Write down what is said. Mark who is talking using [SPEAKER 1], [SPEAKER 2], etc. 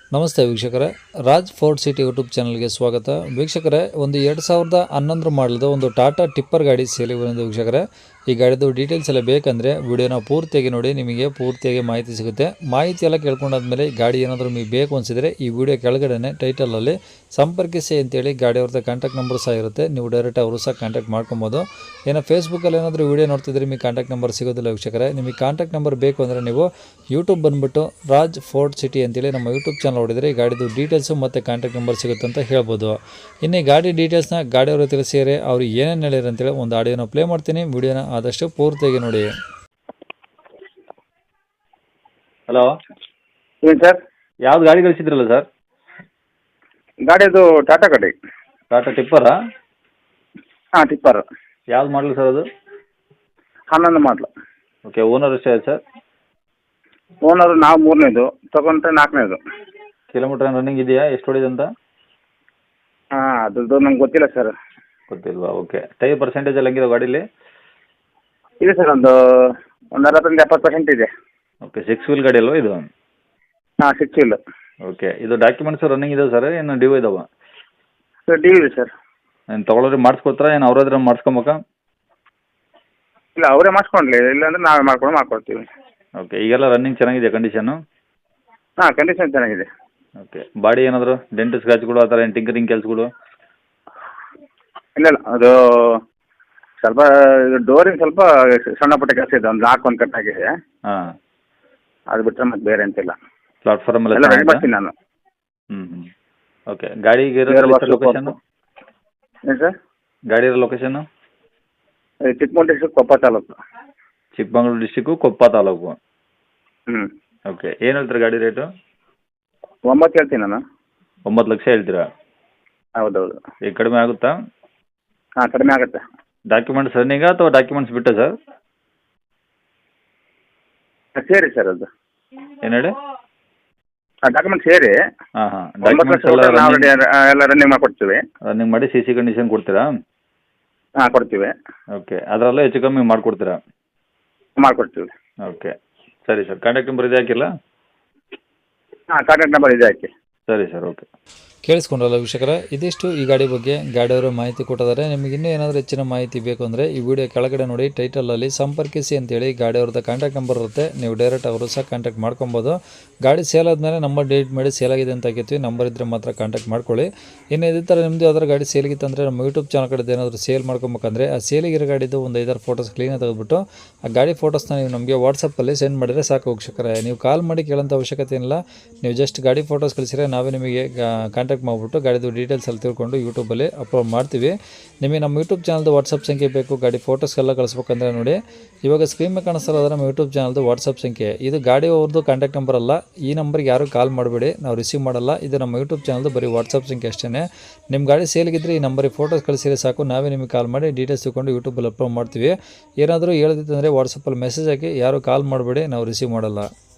[SPEAKER 1] ನಮಸ್ತೆ ವೀಕ್ಷಕರೇ, Raj fort city YouTube ಚಾನಲ್ಗೆ ಸ್ವಾಗತ. ವೀಕ್ಷಕರೇ, ಒಂದು 2011 ಮಾಡಲ್ದು ಒಂದು ಟಾಟಾ ಟಿಪ್ಪರ್ ಗಾಡಿ ಸೇಲಿಗೆ ಬಂದಿದೆ ವೀಕ್ಷಕರೇ. ಈ ಗಾಡಿದು ಡೀಟೇಲ್ಸ್ ಎಲ್ಲ ಬೇಕಂದರೆ ವಿಡಿಯೋನ ಪೂರ್ತಿಯಾಗಿ ನೋಡಿ, ನಿಮಗೆ ಪೂರ್ತಿಯಾಗಿ ಮಾಹಿತಿ ಸಿಗುತ್ತೆ. ಮಾಹಿತಿ ಎಲ್ಲ ಕೇಳ್ಕೊಂಡಾದ್ಮೇಲೆ ಗಾಡಿ ಏನಾದರೂ ನಿಮಗೆ ಬೇಕು ಅನಿಸಿದರೆ ಈ ವಿಡಿಯೋ ಕೆಳಗಡೆ ಟೈಟಲಲ್ಲಿ ಸಂಪರ್ಕಿಸಿ ಅಂತೇಳಿ ಗಾಡಿ ಅವ್ರದ್ದು ಕಾಂಟ್ಯಾಕ್ಟ್ ನಂಬರ್ ಸಹ ಇರುತ್ತೆ. ನೀವು ಡೈರೆಕ್ಟ್ ಅವರು ಸಹ ಕಾಂಟ್ಯಾಕ್ಟ್ ಮಾಡ್ಕೊಬೋದು. ಏನೋ ಫೇಸ್ಬುಕ್ಕಲ್ಲಿ ಏನಾದರೂ ವಿಡಿಯೋ ನೋಡ್ತಿದ್ರೆ ನಿಮಗೆ ಕಾಂಟ್ಯಾಕ್ಟ್ ನಂಬರ್ ಸಿಗೋದಿಲ್ಲ ವೀಕ್ಷಕರೇ. ನಿಮಗೆ ಕಾಂಟ್ಯಾಕ್ಟ್ ನಂಬರ್ ಬೇಕು ಅಂದರೆ ನೀವು ಯೂಟ್ಯೂಬ್ ಬಂದುಬಿಟ್ಟು ರಾಜ್ ಫೋರ್ಟ್ ಸಿಟಿ ಅಂತೇಳಿ ನಮ್ಮ ಯೂಟ್ಯೂಬ್ ಚಾನಲ್ ನೋಡಿದರೆ ಈ ಗಾಡಿದು ಡೀಟೇಲ್ಸು ಮತ್ತು ಕಾಂಟ್ಯಾಕ್ಟ್ ನಂಬರ್ ಸಿಗುತ್ತೆ ಅಂತ ಹೇಳ್ಬೋದು. ಇನ್ನು ಈ ಗಾಡಿ ಡೀಟೇಲ್ಸ್ನ ಗಾಡಿಯವರು ತಿಳಿಸಿದರೆ ಅವರು ಏನೇನು ಹೇಳಿದ್ರು ಅಂತೇಳಿ ಒಂದು ಆಡಿಯೋನ ಪ್ಲೇ ಮಾಡ್ತೀನಿ. ವಿಡಿಯೋನ ಆದಷ್ಟು ಪೂರ್ತಿಯಾಗಿ ನೋಡಿ.
[SPEAKER 2] ಹಲೋ,
[SPEAKER 3] ಏನು ಸರ್?
[SPEAKER 2] ಯಾವ್ದು ಗಾಡಿ ಕಳಿಸಿದ್ರಲ್ಲ ಸರ್?
[SPEAKER 3] ಗಾಡಿದು ಟಾಟಾ ಗಾಡಿ.
[SPEAKER 2] ಟಾಟಾ ಟಿಪ್ಪರಾ?
[SPEAKER 3] ಹಾಂ, ಟಿಪ್ಪರ್.
[SPEAKER 2] ಯಾವ್ದು ಮಾಡಲು ಸರ್ ಅದು?
[SPEAKER 3] 11 ಮಾಡಲು.
[SPEAKER 2] ಓಕೆ, ಓನರ್ ಎಷ್ಟೇ ಸರ್?
[SPEAKER 3] ಓನರು ನಾವು 3ನೇದು, ತೊಗೊಂಡ್ರೆ 4ನೇದು.
[SPEAKER 2] ಕಿಲೋಮೀಟರ್ ರನ್ನಿಂಗ್ ಇದೆಯಾ? ಎಷ್ಟು ಹೊಡಿದೆ ಅಂತ?
[SPEAKER 3] ಹಾಂ, ಅದ್ರದ್ದು ನಂಗೆ ಗೊತ್ತಿಲ್ಲ ಸರ್.
[SPEAKER 2] ಗೊತ್ತಿಲ್ವಾ? ಓಕೆ. ಟೈರ್ ಪರ್ಸೆಂಟೇಜ್ ಎಲ್ಲ ಹೆಂಗಿದೆ ಗಾಡೀಲಿ?
[SPEAKER 3] ಇದೆ ಸರ್, ಒಂದು 60-70% ಇದೆ.
[SPEAKER 2] ಓಕೆ, 6 ವೀಲ್ ಗಾಡಿ ಅಲ್ವಾ ಇದು?
[SPEAKER 3] ಹಾಂ, 6 ವೀಲ್.
[SPEAKER 2] ಓಕೆ, ಇದು ಡಾಕ್ಯುಮೆಂಟ್ಸ್ ರನ್ನಿಂಗ್ ಇದೆ ಸರ್, ಏನು ಡ್ಯೂ ಇದಾವೆ?
[SPEAKER 3] ಸರ್, ಡಿ ಇದೆ ಸರ್.
[SPEAKER 2] ಏನು ತೊಗೊಳೋರಿಗೆ ಮಾಡಿಸ್ಕೊಡ್ತಾರಾ, ಏನು ಅವ್ರಾದ್ರೆ ಮಾಡಿಸ್ಕೊಬೇಕಾ?
[SPEAKER 3] ಇಲ್ಲ, ಅವರೇ ಮಾಡಿಸ್ಕೊಂಡ್ಲಿ, ಇಲ್ಲಾಂದ್ರೆ ನಾವೇ ಮಾಡ್ಕೊಡ್ತೀವಿ.
[SPEAKER 2] ಓಕೆ, ಈಗೆಲ್ಲ ರನ್ನಿಂಗ್ ಚೆನ್ನಾಗಿದೆ ಕಂಡೀಷನ್ನು?
[SPEAKER 3] ಹಾಂ, ಕಂಡೀಷನ್ ಚೆನ್ನಾಗಿದೆ.
[SPEAKER 2] ಓಕೆ, ಬಾಡಿ ಏನಾದರೂ ಡೆಂಟ್ ಸ್ಕ್ರಾಚ್ಗಳು ಆ ಥರ ಏನು ಟಿಂಕರಿಂಗ್ ಕೆಲಸಗಳು?
[SPEAKER 3] ಇಲ್ಲ, ಅದು ಸ್ವಲ್ಪ ಡೋರಿನ ಸ್ವಲ್ಪ ಸಣ್ಣ ಪುಟ್ಟ ಕೆಲಸ ಇದೆ. ಒಂದು ಲಾಕ್ ಒಂದು ಕಟ್ ಆಗಿದೆ.
[SPEAKER 2] ಹಾಂ,
[SPEAKER 3] ಅದು ಬಿಟ್ಟರೆ ಮತ್ತೆ ಬೇರೆ ಅಂತಿಲ್ಲ.
[SPEAKER 2] ಪ್ಲಾಟ್ಫಾರ್ಮ್
[SPEAKER 3] ಎಲ್ಲ ರೆಡಿ ಮಾಡ್ತೀನಿ ನಾನು.
[SPEAKER 2] ಹ್ಞೂ. ಓಕೆ, ಗಾಡಿಗೆ ಲೊಕೇಶನ್ನು?
[SPEAKER 3] ಏನು ಸರ್?
[SPEAKER 2] ಗಾಡಿ ಇರೋ location?
[SPEAKER 3] Chikkamagaluru district, Koppa taluk.
[SPEAKER 2] Chikkamagaluru district, Koppa taluk.
[SPEAKER 3] ಹ್ಞೂ.
[SPEAKER 2] ಓಕೆ, ಏನು ಹೇಳ್ತೀರಾ ಗಾಡಿ ರೇಟು?
[SPEAKER 3] 9 ಹೇಳ್ತೀನಿ ನಾನು.
[SPEAKER 2] 9 ಲಕ್ಷ ಹೇಳ್ತೀರಾ?
[SPEAKER 3] ಹೌದೌದು.
[SPEAKER 2] ಈಗ ಕಡಿಮೆ ಆಗುತ್ತಾ?
[SPEAKER 3] ಹಾಂ, ಕಡಿಮೆ ಆಗುತ್ತೆ.
[SPEAKER 2] ಡಾಕ್ಯುಮೆಂಟ್ಸ್ ರನ್ನಿಂಗಾ ಅಥವಾ ಡಾಕ್ಯುಮೆಂಟ್ಸ್ ಬಿಟ್ಟಾ ಸರ್?
[SPEAKER 3] ಸೇರಿ ಸರ್, ಅದು
[SPEAKER 2] ಏನು ಹೇಳಿ?
[SPEAKER 3] ಡಾಕ್ಯುಮೆಂಟ್ ಸೇರಿ
[SPEAKER 2] ಹಾಂ ಹಾಂ,
[SPEAKER 3] 9
[SPEAKER 2] ಡಾಕ್ಯುಮೆಂಟ್ಸ್
[SPEAKER 3] ಲಕ್ಷ
[SPEAKER 2] ಎಲ್ಲ
[SPEAKER 3] ನಾವು ಎಲ್ಲ ರನ್ನಿಂಗ್ ಮಾಡಿಕೊಡ್ತೀವಿ.
[SPEAKER 2] ರನ್ನಿಂಗ್ ಮಾಡಿ ಸಿ ಸಿ ಕಂಡೀಷನ್ ಕೊಡ್ತೀರಾ?
[SPEAKER 3] ಹಾಂ, ಕೊಡ್ತೀವಿ.
[SPEAKER 2] ಓಕೆ, ಅದರಲ್ಲೇ ಹೆಚ್ಚು ಕಮ್ಮಿ ಮಾಡಿಕೊಡ್ತೀರಾ?
[SPEAKER 3] ಮಾಡಿಕೊಡ್ತೀವಿ.
[SPEAKER 2] ಓಕೆ, ಸರಿ ಸರ್. ಕಾಂಟ್ಯಾಕ್ಟ್ ನಂಬರ್ ಇದೆ ಹಾಕಿಲ್ಲ?
[SPEAKER 3] ಹಾಂ, ಕಾಂಟ್ಯಾಕ್ಟ್ ನಂಬರ್ ಇದೆ, ಹಾಕಿ.
[SPEAKER 2] ಸರಿ ಸರ್, ಓಕೆ.
[SPEAKER 1] ಕೇಳಿಸ್ಕೊಂಡ್ರಲ್ಲ ವೀಕ್ಷಕರೇ, ಇದಿಷ್ಟು ಈ ಗಾಡಿ ಬಗ್ಗೆ ಗಾಡಿಯವರು ಮಾಹಿತಿ ಕೊಟ್ಟಿದ್ದಾರೆ. ನಿಮಗೆ ಇನ್ನೂ ಏನಾದರೂ ಹೆಚ್ಚಿನ ಮಾಹಿತಿ ಬೇಕು ಅಂದರೆ ಈ ವಿಡಿಯೋ ಕೆಳಗಡೆ ನೋಡಿ ಟೈಟಲಲ್ಲಿ ಸಂಪರ್ಕಿಸಿ ಅಂತೇಳಿ ಗಾಡಿಯವ್ರದ್ದು ಕಾಂಟ್ಯಾಕ್ಟ್ ನಂಬರ್ ಇರುತ್ತೆ. ನೀವು ಡೈರೆಕ್ಟ್ ಅವರು ಸಹ ಕಾಂಟ್ಯಾಕ್ಟ್ ಮಾಡ್ಕೊಬೋದು. ಗಾಡಿ ಸೇಲ್ ಆದಮೇಲೆ ನಂಬರ್ ಡಿಲೀಟ್ ಮಾಡಿ ಸೇಲ್ ಆಗಿದೆ ಅಂತ ಹಾಕಿರ್ತೀವಿ. ನಂಬರ್ ಇದ್ದರೆ ಮಾತ್ರ ಕಾಂಟ್ಯಾಕ್ಟ್ ಮಾಡ್ಕೊಳ್ಳಿ. ಇನ್ನು ಇದೇ ಥರ ನಿಮ್ಮದು ಯಾವ್ದಾರು ಗಾಡಿ ಸೇಲಿಗಿತ್ತು ಅಂದರೆ ನಮ್ಮ ಯೂಟ್ಯೂಬ್ ಚಾನಲ್ ಕಡೆ ಏನಾದರೂ ಸೇಲ್ ಮಾಡ್ಕೊಬೇಕಂದ್ರೆ ಆ ಸೇಲಿಗಿರೋ ಗಾಡಿದು ಒಂದು 5-6 ಫೋಟೋಸ್ ಕ್ಲೀನಾಗಿ ತೆಗೆದುಬಿಟ್ಟು ಆ ಗಾಡಿ ಫೋಟೋಸ್ನ ನೀವು ನಮಗೆ ವಾಟ್ಸಪ್ಪಲ್ಲಿ ಸೆಂಡ್ ಮಾಡಿದರೆ ಸಾಕು ವೀಕ್ಷಕರೇ. ನೀವು ಕಾಲ್ ಮಾಡಿ ಕೇಳೋಂಥ ಅವಶ್ಯಕತೆ ಇಲ್ಲ. ನೀವು ಜಸ್ಟ್ ಗಾಡಿ ಫೋಟೋಸ್ ಕಳಿಸಿದ್ರೆ ನಾವೇ ನಿಮಗೆ ಕಾಂಟ್ಯಾಕ್ಟ್ ಮಾಡಿಬಿಟ್ಟು ಗಾಡಿದು ಡೀಟೇಲ್ಸ್ ಎಲ್ಲ ತಿಳ್ಕೊಂಡು ಯೂಟ್ಯೂಬಲ್ಲಿ ಅಪ್ಲೋಡ್ ಮಾಡ್ತೀವಿ. ನಿಮಗೆ ನಮ್ಮ ಯೂಟ್ಯೂಬ್ ಚಾನಲ್ದು ವಾಟ್ಸಪ್ ಸಂಖ್ಯೆ ಬೇಕು ಗಾಡಿ ಫೋಟೋಸ್ಗೆಲ್ಲ ಕಳಿಸ್ಬೇಕಂದ್ರೆ ನೋಡಿ, ಇವಾಗ ಸ್ಕ್ರೀನ್ ಮೇಲೆ ಕಾಣಿಸ್ತಾರಲ್ಲ ನಮ್ಮ ಯೂಟ್ಯೂಬ್ ಚಾನಲ್ದು ವಾಟ್ಸಪ್ ಸಂಖ್ಯೆ. ಇದು ಗಾಡಿ ಅವ್ರದ್ದು ಕಾಂಟ್ಯಾಕ್ಟ್ ನಂಬರ್ ಅಲ್ಲ. ಈ ನಂಬರ್ಗೆ ಯಾರು ಕಾಲ್ ಮಾಡಬೇಡಿ, ನಾವು ರಿಸೀವ್ ಮಾಡಲ್ಲ. ಇದು ನಮ್ಮ ಯೂಟ್ಯೂಬ್ ಚಾನಲ್ದು ಬರೀ ವಾಟ್ಸಪ್ ಸಂಖ್ಯೆ ಅಷ್ಟೇ. ನಿಮ್ಮ ಗಾಡಿ ಸೇಲ್ಗಿದ್ರೆ ಈ ನಂಬರಿಗೆ ಫೋಟೋಸ್ ಕಳಿಸಿದ್ರೆ ಸಾಕು, ನಾವೇ ನಿಮಗೆ ಕಾಲ್ ಮಾಡಿ ಡೀಟೇಲ್ಸ್ ತಿಳ್ಕೊಂಡು ಯೂಟ್ಯೂಬಲ್ಲಿ ಅಪ್ಲೋಡ್ ಮಾಡ್ತೀವಿ. ಏನಾದರೂ ಹೇಳ್ದಿತ್ತಂದರೆ ವಾಟ್ಸಪ್ಪಲ್ಲಿ ಮೆಸೇಜ್ ಹಾಕಿ, ಯಾರು ಕಾಲ್ ಮಾಡಬೇಡಿ, ನಾವು ರಿಸೀವ್ ಮಾಡಲ್ಲ.